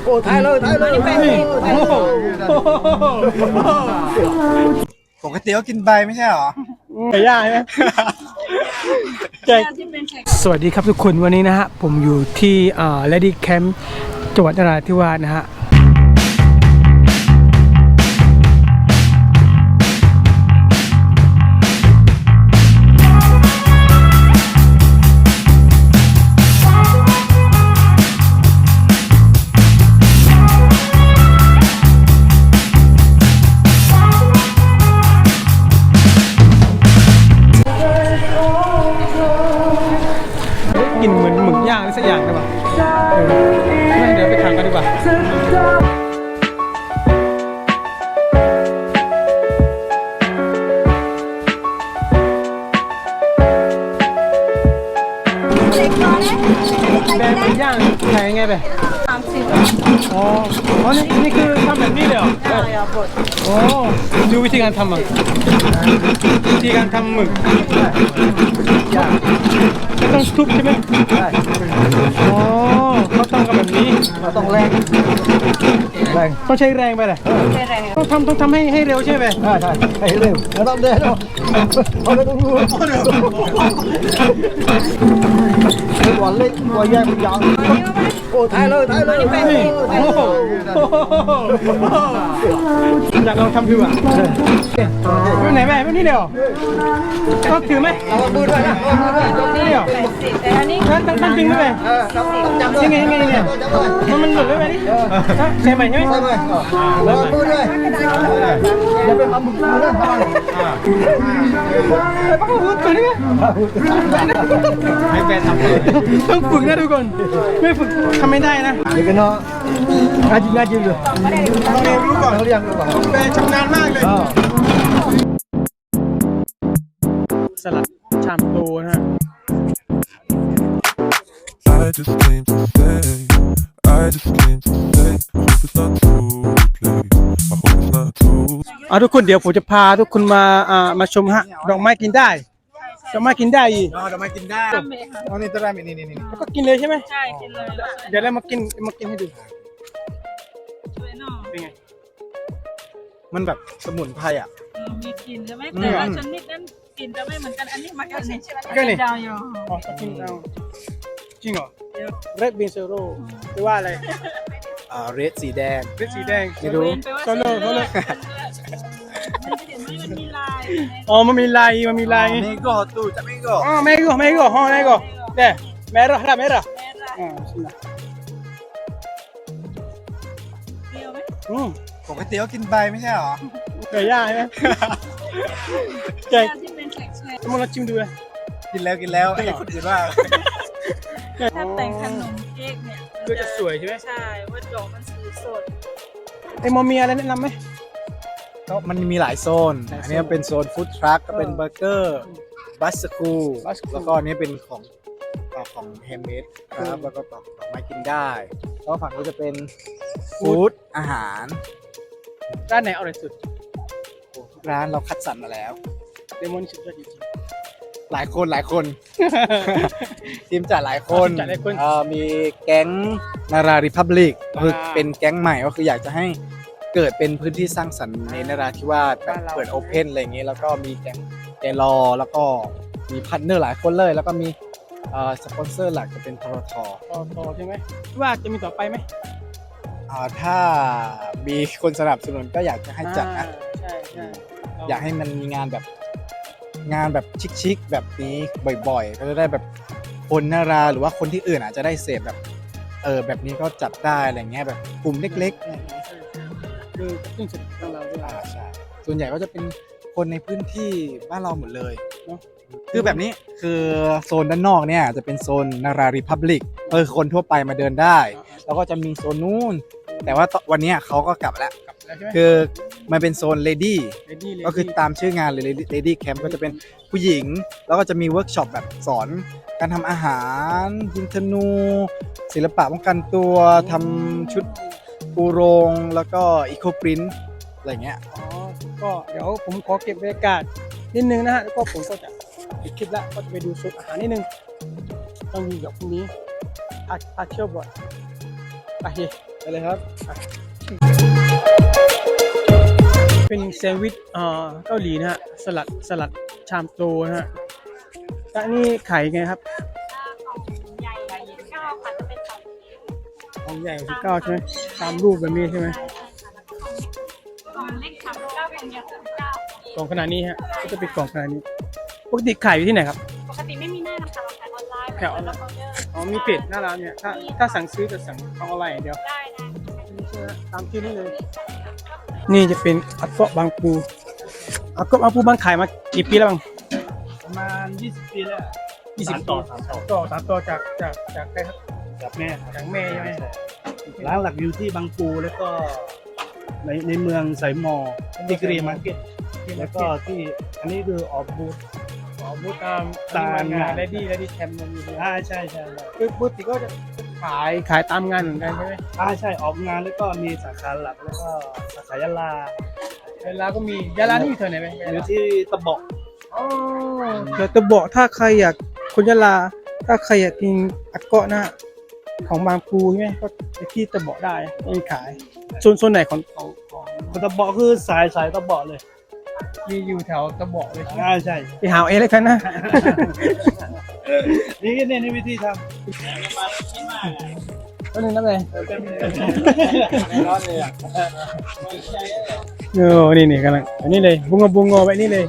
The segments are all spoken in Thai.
อ้ถ่ายเลยปกติก็กินใบไม่ใช่หรอไก่ย่างใช่ไหมสวัสดีครับทุกคนวันนี้นะฮะผมอยู่ที่Lady Camp จังหวัดนราธิวาสนะฮะกินเหมือนหมึกย่างอะไรสักอย่างได้ป่ะไม่เดี๋ยวไปทานกันดีกว่าแบงหมึกย่างขายยังไงไป30อ๋อนี่คือทำแบบนี้เลยเหรอใช่ครับบดโอ้ดูวิธีการทำอ่ะวิธีการทำหมึกต้องทุบใช่ไหมใช่อ๋อเขาทำกันแบบนี้เราต้องแรงต้องใช้แรงไปเลยใช้แรงต้องทำให้เร็วใช่ไหมใช่ให้เร็วแล้วต้องเดินเอาไปตรงนู้นตัวเล็กตัวใหญ่มันยาวโอ้ถ่ายเลยโอ้โหอยากลองทำดูอ่ะไปไหนแม่ไม่นี่เดียวก็ถือไหมเอามือด้วยนะนี่เดียวแต่อันนี้ท่านจริงไหมยังไงเนี่ยมันหลุดไหมนี่ใช่ไหมใช่ไหมเอามือด้วยอย่าไปทำมือนะป้าพูดตัวนี้ให้แฟนทำต้องฝึกนะทุกคนไม่ฝึกทำไม่ได้นะเดี๋ยวกันเนาะง่ายจริงเลยต้องเรียนรู้ก่อนเรียนรู้ก่อนแฟนชำนาญมากเลยสลัดชามโตนะฮะ I just came to say, I just came to say, I hope it's not too late. I hope it's not too. ทุกคนเดี๋ยวผมจะพาทุกคนมาชมฮะดอกไม้กินได้ดอกไม้กินได้อีกดอกไม้กินได้อ๋อนี่ตัวแรกนี่แล้วก็กินเลยใช่ไหมใช่กินเลยเดี๋ยวเรามากินให้ดูเป็นไงมันแบบสมุนไพรอ่ะมีกลิ่นใช่ไหมแต่ว่าชนิดนั้นกลิ่นจะไม่เหมือนกันอันนี้มันก็นี่ดาวอยู่อ๋อกินเอาจริงเหรอ Red Bean Zero หรือว่าอะไรเรดสีแดงไม่รู้โซโล่มันมีลายอ๋อมันมีลายเมโก้ตู้จะเมโก้อ๋อเมโก้เด้เมร่าเปรี้ยวไหมปกติก็กินใบไม่ใช่หรอไก่ย่างใช่ไหมไก่ที่เป็นแข็งๆมาลองชิมดูเลยกินแล้วไอ้คนอื่นว่าถ้าแต่งขนมเค้กเนี่ยก็จะสวยใช่ไหมใช่ว่าดอกมันสีสดไอ้มอมีอะไรแนะนำไหมก็มันมีหลายโซนอันนี้เป็นโซนฟู้ดทรัคก็เป็นเบอร์เกอร์บัสคูแล้วก็อันนี้เป็นของแฮมเมดครับแล้วก็ของไม้กินได้แล้วฝั่งนี้จะเป็นฟู้ดอาหารร้านไหนอร่อยสุดร้านเราคัดสรรมาแล้วเลมอนสุดยอดจริงหลายคนทีมจัดหลายคนมีแก๊งนาราริพับลิกคือเป็นแก๊งใหม่ก็คืออยากจะให้เกิดเป็นพื้นที่สร้างสรรค์ในนราธิวาสแบบเปิดโอเพนอะไรอย่างนี้แล้วก็มีแก๊งแกรอแล้วก็มีพาร์ทเนอร์หลายคนเลยแล้วก็มีสปอนเซอร์หลักจะเป็นททใช่ไหมว่าจะมีต่อไปไหมถ้ามีคนสนับสนุนก็อยากจะให้จัดนะใช่อยากให้มันมีงานแบบชิคๆแบบนี้บ่อยๆก็จะได้แบบคนนาราหรือว่าคนที่อื่นอาจจะได้เสพแบบแบบนี้ก็จัดได้อะไรเงี้ยแบบกลุ่มเล็กๆคือซึ่งสุดของเราด้วยใช่ส่วนใหญ่ก็จะเป็นคนในพื้นที่บ้านเราหมดเลยเนาะคือแบบนี้คือโซนด้านนอกเนี่ยจะเป็นโซนนาราริพับลิกคนทั่วไปมาเดินได้แล้วก็จะมีโซนนู้นแต่ว่าวันนี้เขาก็กลับแล้วคือมันเป็นโซนเลดี้ก็คือตามชื่องานเลย Lady Camp ก็จะเป็นผู้หญิงแล้วก็จะมีเวิร์กช็อปแบบสอนการทำอาหารยิงธนูศิลปะป้องกันตัวทำชุดปูโรงแล้วก็อีโคปรินท์อะไรเงี้ยก็เดี๋ยวผมขอเก็บบรรยากาศนิดนึงนะฮะแล้วก็ผมก็จะปิดคลิปแล้วก็จะไปดูสูตรอาหารนิดนึงต้องมีแบบพรุ่งนี้พาเที่ยวบ่อยไปเลยครับ เป็นแซนด์วิชเกาหลีนะฮะสลัดชามโตนะฮะแล้วนี่ขายไงครับใหญ่เก้าค่ะจะเป็นสองของใหญ่19ใช่ไหมตามรูปแบบนี้ใช่ไหมกล่องเล็กสามเก้ากล่องใหญ่39 กล่องขนาดนี้ฮะก็จะเป็นกล่องขนาดนี้ปกติขายอยู่ที่ไหนครับปกติไม่มีหน้านะคะเราขายออนไลน์แถวออนไลน์ออเดอร์อ๋อมีเพจหน้าร้านเนี่ยถ้าสั่งซื้อจะสั่งทางออนไลน์อย่างเดียวได้นี่ใช่ไหมตามที่นี่เลย นี่จะเป็นอักเกาะบางปูอักเกาะบางปูบ้านขายมากี่ปีแล้วบ้างประมาณ20 ปีแล้ว 20 ต่อสามต่อจากใครครับกับแม่จากแม่ใช่ไหมร้านหลักอยู่ที่บางปูแล้วก็ในเมืองสายมอดิกรีมาร์เก็ตแล้วก็ที่อันนี้คือออกบูธบูธตามตามงานงานเลดี้แคมป์มันมีด้วยใช่คือปกติก็จะขายตามงานเหมือนกันใช่ไหมใช่ออกงานแล้วก็มีสาขาหลักแล้วก็สาขายะลาเวลาก็มียาลานี่อยู่แถวไหนไหมอยู่ที่ตะเบกอ๋อเดี๋ยวจะบอกถ้าใครอยากคนยาลาถ้าใครอยากกินอักเกาะนะของบางปูใช่ไหมก็ไปที่ตะเบาะได้มีขายโซนไหนของตะเบกคือสายตะเบกเลยมีอยู่แถวตะเบาะเลยใช่ไหมใช่ไปหาเอาเองเลยกันนะนี่วิธีทก็นึงนั่นเลยำร้อนเลยอ่ะนี่กำลังอันนี้เลยบุงงอไปนี่เลย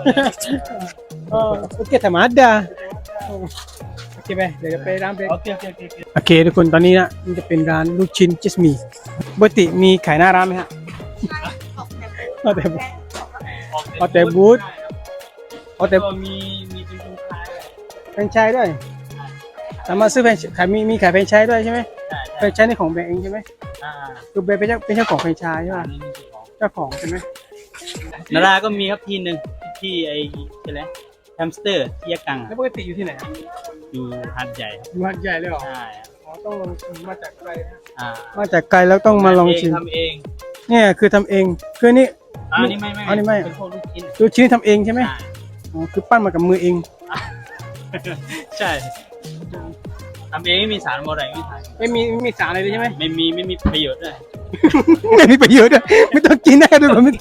โอเคธรรมดาโอเคไหมเดี๋ยวจะไปร้านเบรกโอเคโอเคทุกคนตอนนี้นะมันจะเป็นร้านลูกชิ้นจิสมีปกติมีขายหน้าร้านไหมฮะเอาแต่บูธเอาแต่มีเป็นคนขายแฟรนไชส์ด้วยสามารถซื้อแฟรนไชส์มีขายแฟรนไชส์ด้วยใช่ไหมแฟรนไชส์นี่ของแบงค์เองใช่ไหมคือแบงค์เป็นเจ้าของแฟรนไชส์ใช่ไหมเจ้าของใช่ไหมนาราก็มีครับทีหนึ่งที่ไอ้อะไรแฮมสเตอร์ที่ยะกังแล้วอะปกติอยู่ที่ไหนอะอยู่หัดใหญ่ครับอยู่หัดใหญ่เลยเหรอใช่ครับอ๋อต้องลองชิมมาจากไกลนะอ่ามาจากไกลแล้วต้องมาลองชิมทำเองเนี่ยคือทำเองคือนี่อันนี้ไม่อันนี้ไม่เป็นพวกลูกชิ้นลูกชิ้นทำเองใช่ไหมใช่อ๋อคือปั้นมากับมือเองใช่ทำเองไม่มีสารอะไรไม่ทานไม่มีสารอะไรเลยใช่ไหมไม่มีประโยชน์ด้วยไม่มีประโยชน์ด้วยไม่ต้องกินได้ด้วยผม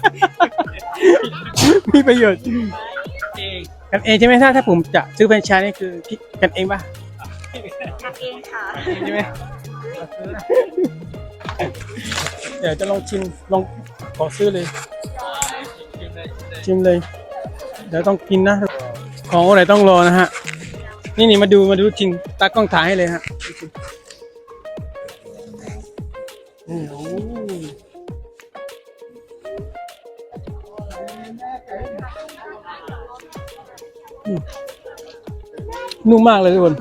มีประโยชน์เองกันเองใช่ไหมถ้าผมจะซื้อแฟรนไชส์นี่คือคิดกันเองป่ะทำเองค่ะใช่ไหมเดี๋ยวจะลองชิมลองขอซื้อเลยชิมเลยเดี๋ยวต้องกินนะของอะไรต้องรอนะฮะนี่มาดูชิมตากล้องถ่ายให้เลยฮะโอ้โหนุ่มมากเลยทุกคน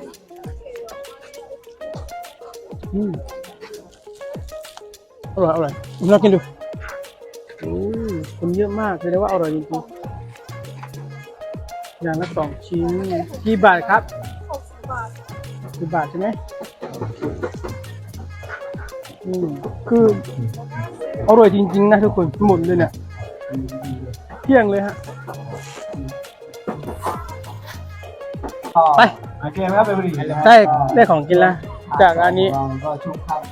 อร่อยลองกินดูคนเยอะมากเลยนะว่าอร่อยจริงๆอย่างละ2 ชิ้นกี่บาทครับ60 บาทใช่ไหมคืออร่อยจริงๆนะทุกคนหมดเลยเนี่ยเที่ยงเลยฮะไปโอเคไหมครับไปบุรีได้ของกินแล้วจากร้านนี้ก็ชุบครับ